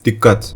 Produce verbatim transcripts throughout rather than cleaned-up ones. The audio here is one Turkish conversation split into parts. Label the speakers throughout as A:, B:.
A: Dikkat!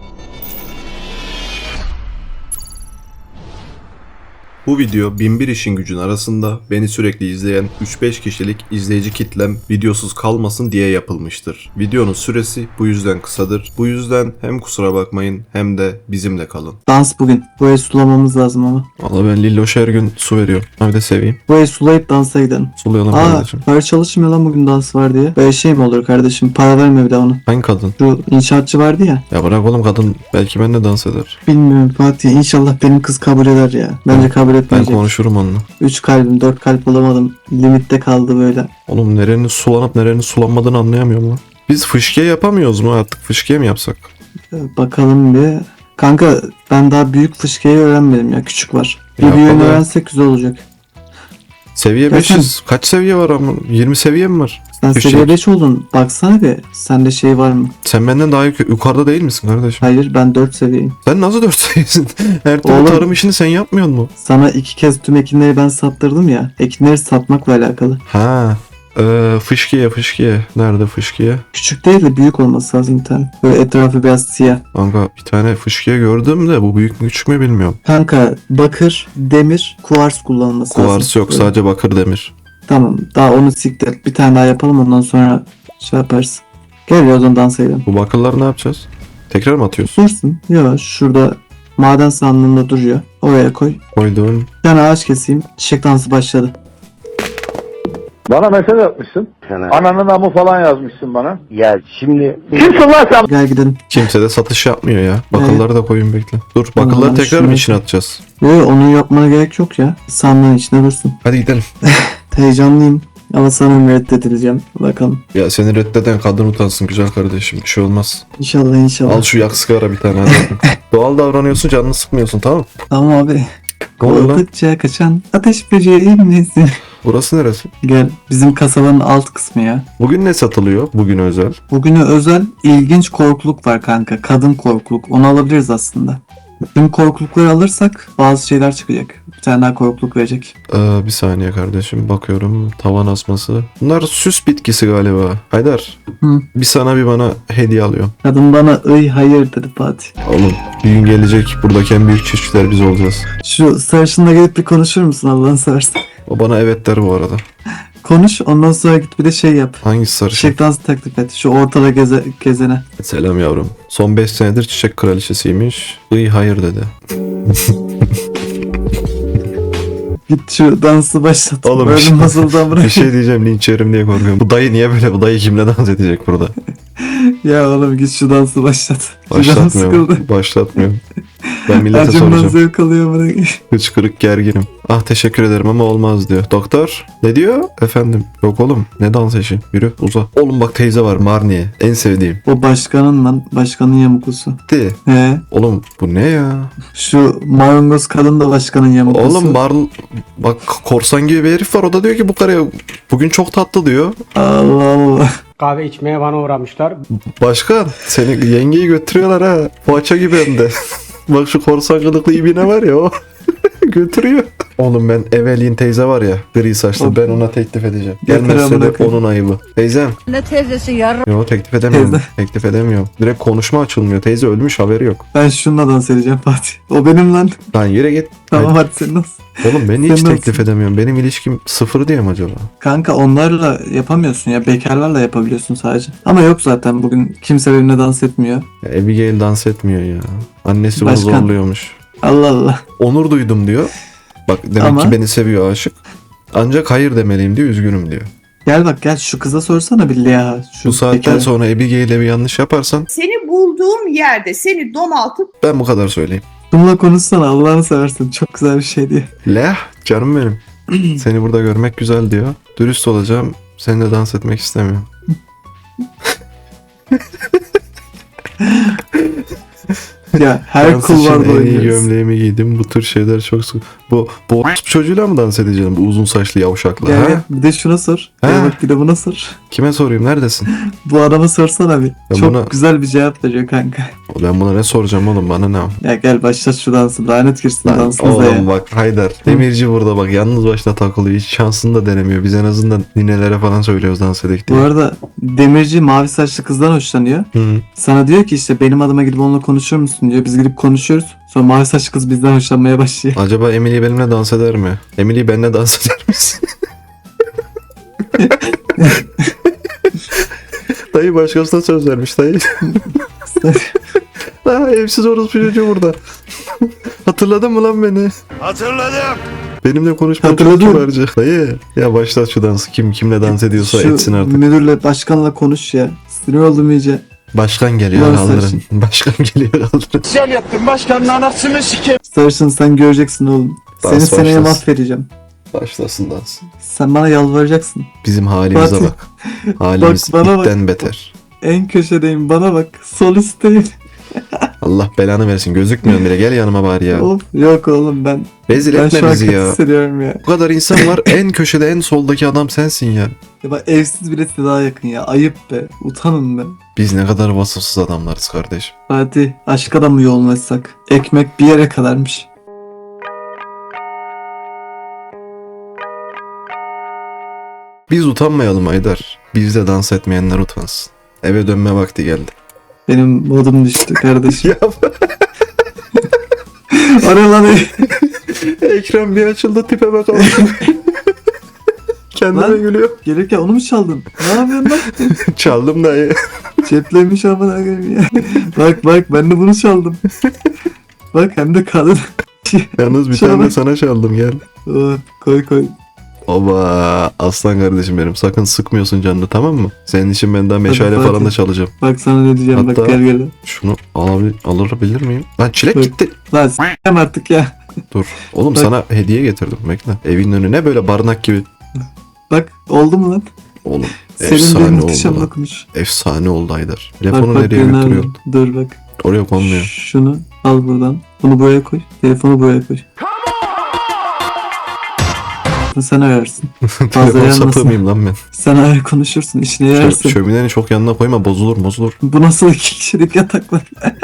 A: Bu video bin bir işin gücün arasında beni sürekli izleyen üç beş kişilik izleyici kitlem videosuz kalmasın diye yapılmıştır. Videonun süresi bu yüzden kısadır. Bu yüzden hem kusura bakmayın hem de bizimle kalın.
B: Dans bugün. Bu evi sulamamız lazım ama.
A: Valla ben Lilloş'a her gün su veriyorum. Hadi de seveyim.
B: Bu evi sulayıp dansa gidelim.
A: Sulayalım
B: Aa,
A: kardeşim.
B: para çalışmıyor lan bugün dans var diye. Böyle şey mi olur kardeşim? Para verme bir de ona.
A: Hangi kadın?
B: Şu inşaatçı vardı ya.
A: Ya bırak oğlum, kadın belki benimle dans eder.
B: Bilmiyorum Fatih. İnşallah benim kız kabul eder ya. Bence kabul
A: Ben
B: etmeyecek.
A: konuşurum onunla.
B: üç kalbim dört kalp olamadım. Limitte kaldı böyle.
A: Oğlum nerenin sulanıp nerenin sulanmadığını anlayamıyorum lan. Biz fışkiye yapamıyoruz mu artık? Fışkiye mi yapsak?
B: Ee, Bakalım bir. Kanka ben daha büyük fışkayı öğrenmedim ya. Küçük var. Bir
A: Yapalım.
B: büyüğünü öğrensek güzel olacak.
A: Seviye
B: Ya
A: beş yüz. Kaç seviye var ama? yirmi seviye mi var?
B: Sen
A: Fışek.
B: seviye beş oldun. Baksana bir. Sende şey var mı?
A: Sen benden daha yuk- yukarıda değil misin kardeşim?
B: Hayır, ben dört seviyeyim.
A: Sen nasıl dört seviyesin? Her türlü
B: Oğlum.
A: tarım işini sen yapmıyor mu?
B: Sana iki kez tüm ekinleri ben sattırdım ya. Ekinleri satmakla alakalı.
A: Ha. Ee, fışkiye fışkiye. Nerede fışkiye?
B: Küçük değil de büyük olması lazım bir tane. Böyle etrafı biraz siyah.
A: Kanka bir tane fışkiye gördüm de bu büyük mü küçük mü bilmiyorum.
B: Kanka bakır, demir, kuvars kullanılması lazım.
A: Kuvars yok,
B: Böyle.
A: sadece bakır demir.
B: Tamam, daha onu siktir. Bir tane daha yapalım, ondan sonra şey yaparız. Gel ya, o zaman dansa gidelim.
A: Bu bakırları ne yapacağız? Tekrar mı atıyoruz?
B: Dursun. Yok, şurada maden sandığında duruyor. Oraya koy.
A: Koydum.
B: Bir tane ağaç keseyim. Çiçek dansı başladı.
C: Bana mesaj atmışsın. Ananın amı falan yazmışsın bana.
D: Ya şimdi
C: Kimsin lan sen?
B: Gel gidelim.
A: Kimse de satış yapmıyor ya. Bakırları da koyun bekle. Dur, bakırları
B: Vallahi
A: tekrar mı
B: şunu-
A: içine atacağız?
B: Yok, onu yapmana gerek yok ya. Sandığın içine dursun.
A: Hadi gidelim.
B: Heyecanlıyım. Ama sanırım reddedileceğim. Bakalım.
A: Ya seni reddeden kadın utansın güzel kardeşim. Bir şey olmaz.
B: İnşallah inşallah.
A: Al şu yak sigara bir tane hadi. Doğal davranıyorsun, canını sıkmıyorsun, tamam mı?
B: Tamam abi.
A: Ne oluyor lan?
B: Korkutça kaçan ateş böceği misin?
A: Burası neresi?
B: Gel, bizim kasabanın alt kısmı ya.
A: Bugün ne satılıyor? Bugün özel.
B: Bugüne özel ilginç korkuluk var kanka. Kadın korkuluk. Onu alabiliriz aslında. Tüm korkulukları alırsak bazı şeyler çıkacak. Bir tane daha korkuluk verecek.
A: Ee, bir saniye kardeşim, bakıyorum. Tavan asması. Bunlar süs bitkisi galiba. Haydar.
B: Hı.
A: Bir sana bir bana hediye alıyorum.
B: Kadın bana ıy hayır dedi Fatih.
A: Oğlum bir gün gelecek, buradaki en büyük çiftçiler biz olacağız.
B: Şu sarışınla gelip bir konuşur musun Allah'ını seversen?
A: O bana evet der bu arada.
B: Konuş, ondan sonra git bir de şey yap.
A: Hangisi sarışın?
B: Çiçek dansı teklif et. Şu ortada geze, gezene.
A: Selam yavrum. Son beş senedir çiçek kraliçesiymiş. İyi hayır dedi.
B: Git şu dansı başlat.
A: Oğlum,
B: Böyle
A: bir şey-
B: nasıldan bırak.
A: Bir şey diyeceğim, linç yerim diye korkuyorum. Bu dayı niye böyle? Bu dayı kimle dans edecek burada?
B: Ya oğlum git şu dansı başlat. Şu canım
A: Başlatmıyorum.
B: sıkıldı.
A: Başlatmıyorum. Ben millete
B: Acımdan
A: soracağım.
B: zevk alıyor bana.
A: Hıçkırık gerginim. Ah teşekkür ederim ama olmaz diyor. Doktor ne diyor? Efendim. Yok oğlum, ne dans eşi? Yürü uza. Oğlum bak teyze var, Marniye. En sevdiğim.
B: O başkanın lan. Başkanın yamuklusu.
A: De.
B: He.
A: Oğlum bu ne ya?
B: Şu marangoz kadın da başkanın yamuklusu.
A: Oğlum Marl... Bak korsan gibi bir herif var. O da diyor ki bu karıya bugün çok tatlı diyor.
B: Allah Allah.
E: Kahve içmeye bana uğramışlar.
A: Başkan seni yengeyi götürüyorlar ha. Poğaça gibi hem de. Bak şu korsan kılıklı ibine var ya o. Götürüyor. Oğlum ben Evelyn teyze var ya, gri saçlı, ben ona teklif edeceğim.
B: Yeter
A: Gelmezse
B: amına
A: de
B: koyayım.
A: onun ayıbı. Teyzem.
F: Ne teyzesi yarın
A: Yok teklif edemiyorum.
B: Teyze.
A: Teklif edemiyorum. Direkt konuşma açılmıyor. Teyze ölmüş, haberi yok.
B: Ben şununla dans edeceğim Fatih. O benim lan.
A: Lan yere git.
B: Tamam hadi sen nasıl?
A: Oğlum ben hiç
B: Sen
A: teklif
B: nasıl?
A: edemiyorum. Benim ilişkim sıfır diye mi acaba?
B: Kanka onlarla yapamıyorsun ya. Bekarlarla yapabiliyorsun sadece. Ama yok zaten bugün kimse benimle dans etmiyor.
A: Ya Abigail dans etmiyor ya. Annesi bunu
B: Başkan.
A: zorluyormuş.
B: Allah Allah.
A: Onur duydum diyor. Bak demek
B: Ama-
A: ki beni seviyor, aşık. Ancak hayır demeliyim diyor, üzgünüm diyor.
B: Gel bak gel şu kıza sorsana bir Leha. Şu
A: Bu saatten
B: bekar-
A: sonra Abigail'e bir yanlış yaparsan
G: Seni bulduğum yerde seni domaltıp
A: ben bu kadar söyleyeyim.
B: Bununla konuşsana Allah'ını seversen. Çok güzel bir şey diye.
A: Leh canım benim. Seni burada görmek güzel diyor. Dürüst olacağım. Seninle dans etmek istemiyorum.
B: Ya her
A: Dans
B: kul
A: için
B: var
A: en iyi
B: oynuyoruz.
A: gömleğimi giydim. Bu tür şeyler çok sık. Bu bu çocuğuyla mı dans edeceğim? Bu uzun saçlı yavşakla.
B: Gel
A: ha?
B: gel bir de şuna sor.
A: Ha?
B: Gel bak bir de buna sor.
A: Kime sorayım? Neredesin?
B: Bu adama sorsana bir.
A: Ya
B: Çok
A: buna-
B: güzel bir cevap veriyor kanka.
A: Ben buna ne soracağım oğlum, bana ne?
B: Ya gel başlat şu dansı. Lanet girsin
A: Lan
B: dansınıza ya.
A: oğlum bak Haydar. Demirci burada bak yalnız başına takılıyor. Hiç şansını da denemiyor. Biz en azından ninelere falan söylüyoruz dans edek
B: Bu
A: diye.
B: arada Demirci mavi saçlı kızdan hoşlanıyor.
A: Hı.
B: Sana diyor ki işte benim adıma gidip onunla konuşur musun diyor. Biz gidip konuşuyoruz. Sonra mavi saçlı kız bizden hoşlanmaya başlıyor.
A: Acaba Emily benimle dans eder mi? Emily benimle dans eder misin? Dayı başkasına söz vermiş dayı. Ha, evsiz orospu çocuğu burada. Hatırladın mı lan beni?
D: Hatırladım.
A: Benimle konuşmayı çok
B: Hatırladım.
A: kibarca. Dayı ya başlat şu dansı. Kim kimle dans ediyorsa
B: Şu
A: etsin artık.
B: müdürle başkanla konuş ya. Sinir oldum iyice.
A: Başkan geliyor
B: Ulan
A: kaldırın.
B: sarışın.
A: Başkan geliyor kaldırın.
D: Güzel yaptın başkanın anasını sikeyim.
B: Sarışın sen göreceksin oğlum.
A: Dans
B: Seni seneye
A: başlasın.
B: mahvedeceğim.
A: Başlasın dans.
B: Sen bana yalvaracaksın.
A: Bizim halimize
B: Fatih.
A: bak. Halimiz
B: Bak, bana bak.
A: itten beter.
B: En köşedeyim bana bak. Solisteyim.
A: Allah belanı versin. Gözükmüyorsun bile. Gel yanıma bari ya.
B: Of yok oğlum ben.
A: Rezil
B: Ben
A: etme
B: şu an
A: bizi
B: kötü
A: ya.
B: hissediyorum ya.
A: Bu kadar insan var. En köşede en soldaki adam sensin ya.
B: Ya bak evsiz bile size daha yakın ya. Ayıp be. Utanın be.
A: Biz ne kadar vasıfsız adamlarız kardeşim.
B: Fatih aşka da mı yoğunlaşsak? Ekmek bir yere kadarmış.
A: Biz utanmayalım Aydar. Bizde dans etmeyenler utansın. Eve dönme vakti geldi.
B: Benim modum düştü kardeşim.
A: Ya
B: Ara lan ey.
A: ekran bir açıldı tipe bakalım. Kendime
B: Lan.
A: gülüyor.
B: Gelirken onu mu çaldın? Ne yapıyorsun lan?
A: Çaldım dayı.
B: Ceplemiş amına koyayım ya. Bak bak ben de bunu çaldım. Bak hem de kadın.
A: Yalnız bir
B: Şuna
A: tane de
B: bak.
A: sana çaldım gel.
B: Oh, koy koy.
A: Oba aslan kardeşim benim. Sakın sıkmıyorsun canını, tamam mı? Senin için ben daha meşale
B: Fatih.
A: falan da çalacağım.
B: Bak sana ne diyeceğim
A: Hatta-
B: bak gel gel.
A: Şunu alabilir, alabilir miyim? Lan çilek
B: Bak.
A: gitti.
B: Lan s**eyim artık ya.
A: Dur. Oğlum
B: Bak.
A: sana hediye getirdim. Bekle. Evin önüne böyle barınak gibi.
B: Bak oldu mu lan?
A: Oğlum
B: Senin bir
A: efsane
B: muhteşem
A: oldu lan.
B: dokunuş.
A: Efsane oldu Aydar.
B: Bak
A: Telefonu
B: bak
A: nereye
B: nerede?
A: götürüyorsun?
B: Dur bak.
A: Oraya konmuyor.
B: Şunu al buradan. Bunu buraya koy. Telefonu buraya koy. Sen ararsın.
A: Telefon
B: yanmasın.
A: sapığı mıyım lan ben?
B: Sen arar konuşursun. İşine
A: Şö-
B: yararsın.
A: şöminenin çok yanına koyma, bozulur bozulur.
B: Bu nasıl iki kişilik yataklar?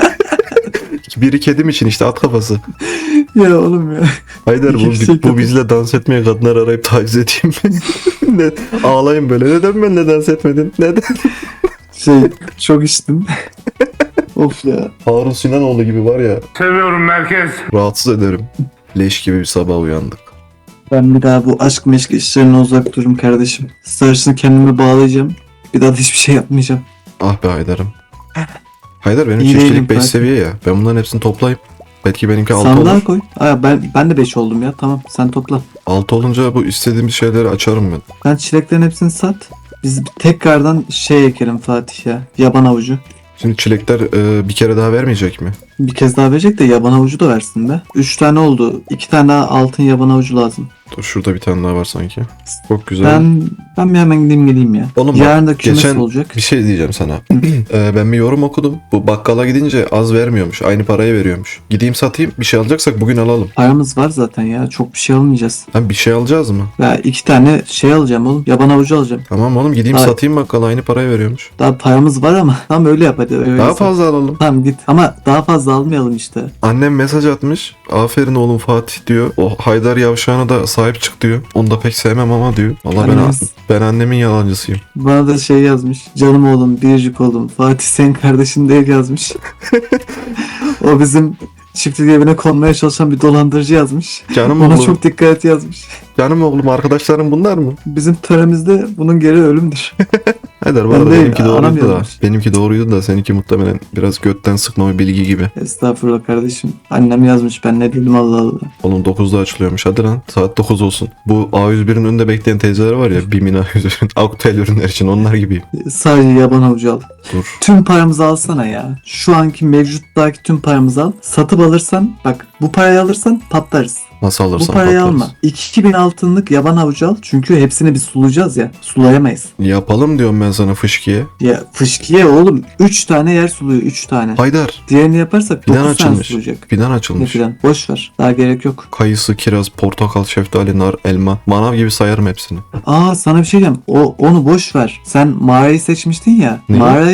A: Biri kedim için işte, at kafası.
B: Ya oğlum ya.
A: Haydar bu,
B: İki kişilik
A: bu
B: yatak.
A: bizle dans etmeye kadınlar arayıp taciz edeyim mi? ne, ağlayayım böyle. Neden benimle dans etmedin? Neden?
B: Şey çok içtim. Of ya.
A: Harun Sinanoğlu gibi var ya.
D: Seviyorum merkez.
A: Rahatsız ederim. Leş gibi bir sabah uyandık.
B: Ben bir daha bu aşk meşk işlerine uzak dururum kardeşim. Sarışını kendime bağlayacağım. Bir daha da hiçbir şey yapmayacağım.
A: Ah be Haydar'ım. Haydar benim
B: İyi değilim
A: çiftçilik beş
B: Fatih.
A: seviye ya. Ben bunların hepsini toplayıp belki benimki altı
B: Sandığa
A: olur.
B: koy. Aa, ben, ben de beş oldum ya. Tamam sen topla.
A: altı olunca bu istediğimiz şeyleri açarım ben.
B: Sen çileklerin hepsini sat. Biz tekrardan şey ekelim Fatih ya. Yaban avucu.
A: Şimdi çilekler e, bir kere daha vermeyecek mi?
B: Bir kez daha verecek de yaban avucu da versin be. Üç tane oldu. İki tane daha altın yaban avucu lazım.
A: Dur şurada bir tane daha var sanki. Çok güzel.
B: Ben ben bir hemen gideyim geleyim ya.
A: Oğlum bak,
B: Yarın da kümes
A: geçen-
B: olacak.
A: Bir şey diyeceğim sana. Ee, ben bir yorum okudum. Bu bakkala gidince az vermiyormuş. Aynı parayı veriyormuş. Gideyim satayım. Bir şey alacaksak bugün alalım.
B: Paramız var zaten ya. Çok bir şey almayacağız.
A: Hem bir şey alacağız mı?
B: Ya iki tane şey alacağım oğlum. Yaban avucu alacağım.
A: Tamam oğlum gideyim
B: Hayır.
A: satayım bakkala. Aynı parayı veriyormuş.
B: Daha paramız var ama. Tamam öyle yap hadi. Öyle
A: Daha
B: yap.
A: fazla alalım.
B: Tamam git. Ama daha fazla almayalım işte.
A: Annem mesaj atmış. Aferin oğlum Fatih diyor. O Haydar Yavşağı'na da sahip çık diyor. Onu da pek sevmem ama diyor. Valla ben,
B: Annemiz-
A: ben annemin yalancısıyım.
B: Bana da şey yazmış. Canım oğlum, biricik oğlum. Fatih senin kardeşin değil yazmış. O bizim çiftlik evine konmaya çalışan bir dolandırıcı yazmış.
A: Canım
B: Ona
A: oğlum.
B: çok dikkat et yazmış.
A: Canım oğlum arkadaşlarım bunlar mı?
B: Bizim töremizde bunun geri ölümdür.
A: Haydar bu
B: Ben
A: arada
B: değil,
A: benimki
B: anam
A: doğruydu da.
B: yazmış.
A: Benimki doğruydu da seninki muhtemelen biraz götten sıkma bir bilgi gibi.
B: Estağfurullah kardeşim. Annem yazmış ben ne dedim Allah Allah.
A: Oğlum dokuzda açılıyormuş hadi lan. Saat dokuz olsun. Bu A yüz bir'in önünde bekleyen teyzeler var ya. BİM'in A yüz bir'in Aktel ürünler için onlar gibiyim.
B: Sadece yaban avucu al.
A: Dur.
B: Tüm paramızı alsana ya. Şu anki mevcuttaki tüm paramızı al. Satıp alırsan bak bu parayı alırsan patlarız.
A: Nasıl
B: Bu
A: alırsan
B: parayı
A: patlarız.
B: alma. iki bin altınlık yaban avucu al. Çünkü hepsini biz sulayacağız ya. Sulayamayız.
A: Yapalım diyorum ben sana fışkiye.
B: Ya fışkiye oğlum üç tane yer suluyor üç tane.
A: Haydar.
B: Diğerini yaparsak
A: Fidan
B: dokuz tane
A: açılmış.
B: sulayacak.
A: Fidan
B: Ne
A: açılmış.
B: filan. Boş ver. Daha gerek yok.
A: Kayısı, kiraz, portakal, şeftali, nar, elma. Manav gibi sayarım hepsini.
B: Aa sana bir şey diyeyim. O onu boş ver. Sen mağarayı seçmiştin ya.
A: Ne?
B: Mağaraya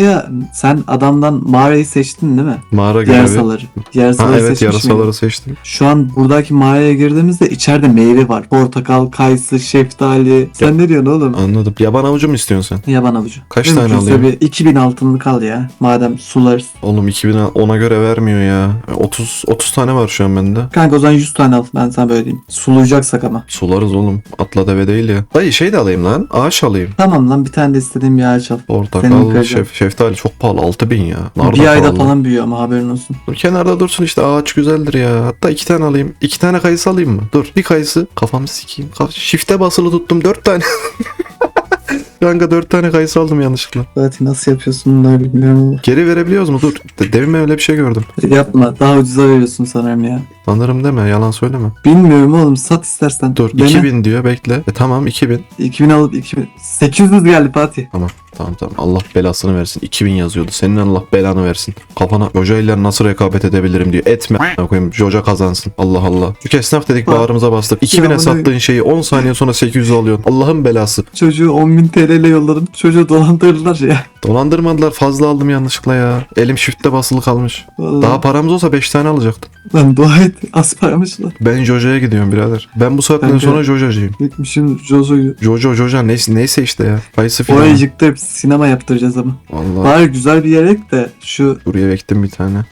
B: mağaraya sen adamdan mağarayı seçtin değil mi?
A: Mağara görevi.
B: Yarasaları.
A: Ha
B: Yarasaları
A: evet
B: seçmiş
A: yarasaları
B: miydin?
A: seçtim.
B: Şu an buradaki mağaraya girdiğimizde içeride meyve var. Portakal, kayısı, şeftali. Sen
A: Ya-
B: ne diyorsun oğlum?
A: Anladım. Yaban avucu mu istiyorsun sen?
B: Yaban avucu.
A: Kaç tane
B: Mümkünse
A: alayım?
B: bir iki bin altınlık al ya. Madem sularız.
A: Oğlum iki bin ona göre vermiyor ya. otuz otuz tane var şu an bende.
B: Kanka o zaman yüz tane al. Ben sana böyle diyeyim. Sulayacaksak ama.
A: Sularız oğlum. Atla deve değil ya. Dayı şey de alayım lan. Ağaç alayım.
B: Tamam lan bir tane de istediğim bir ağaç al. Senin
A: Portakal,
B: kıracağın.
A: şef, şeftali çok pahalı. altı bin ya. Nar da
B: Bir ayda
A: pahalı.
B: falan büyüyor ama haberin olsun.
A: Dur, kenarda dursun işte ağaç güzeldir ya. Hatta iki tane alayım. İki tane kayısı alayım mı? Dur bir kayısı. Kafamı sikeyim. Kaf- Shift'e basılı tuttum dört tane. Kanka dört tane kayısı aldım yanlışlıkla.
B: Fatih nasıl yapıyorsun bunları bilmiyorum ama.
A: Geri verebiliyoruz mu? Dur. De- Demin ben öyle bir şey gördüm.
B: Yapma. Daha ucuza veriyorsun sanırım ya.
A: Sanırım deme yalan söyleme.
B: Bilmiyorum oğlum. Sat istersen.
A: Dur
B: Dene.
A: iki bin diyor bekle. E tamam iki bin.
B: iki bin alıp iki bin. sekiz yüz geldi Fatih.
A: Tamam tamam tamam. Allah belasını versin. iki bin yazıyordu. Senin Allah belanı versin. Kafana Joja ile nasıl rekabet edebilirim diyor. Etme. A**ına koyayım. Joja kazansın. Allah Allah. Çünkü esnaf dedik
B: Bak.
A: bağrımıza bastık. iki bine
B: Ya bunu-
A: sattığın şeyi on saniye sonra sekiz yüz alıyorsun. Allah'ın belası.
B: Çocuğu on bin T L ile yolladım. Çocuğu dolandırdılar ya.
A: Dolandırmadılar. Fazla aldım yanlışlıkla ya. Elim shift'te basılı kalmış.
B: Vallahi.
A: Daha paramız olsa beş tane alacaktım.
B: Lan dua et. Az paramış lan.
A: Ben Joja'ya gidiyorum birader. Ben bu saatten
B: Ben de-
A: sonra Joja'cıyım.
B: Gitmişim Jojo'yu.
A: Jojo Joja neyse, neyse işte ya. Kayısı filan.
B: Orayı yıktırıp sinema yaptıracağız ama.
A: Vallahi
B: Bari güzel bir yere ek de şu
A: buraya ektim bir tane.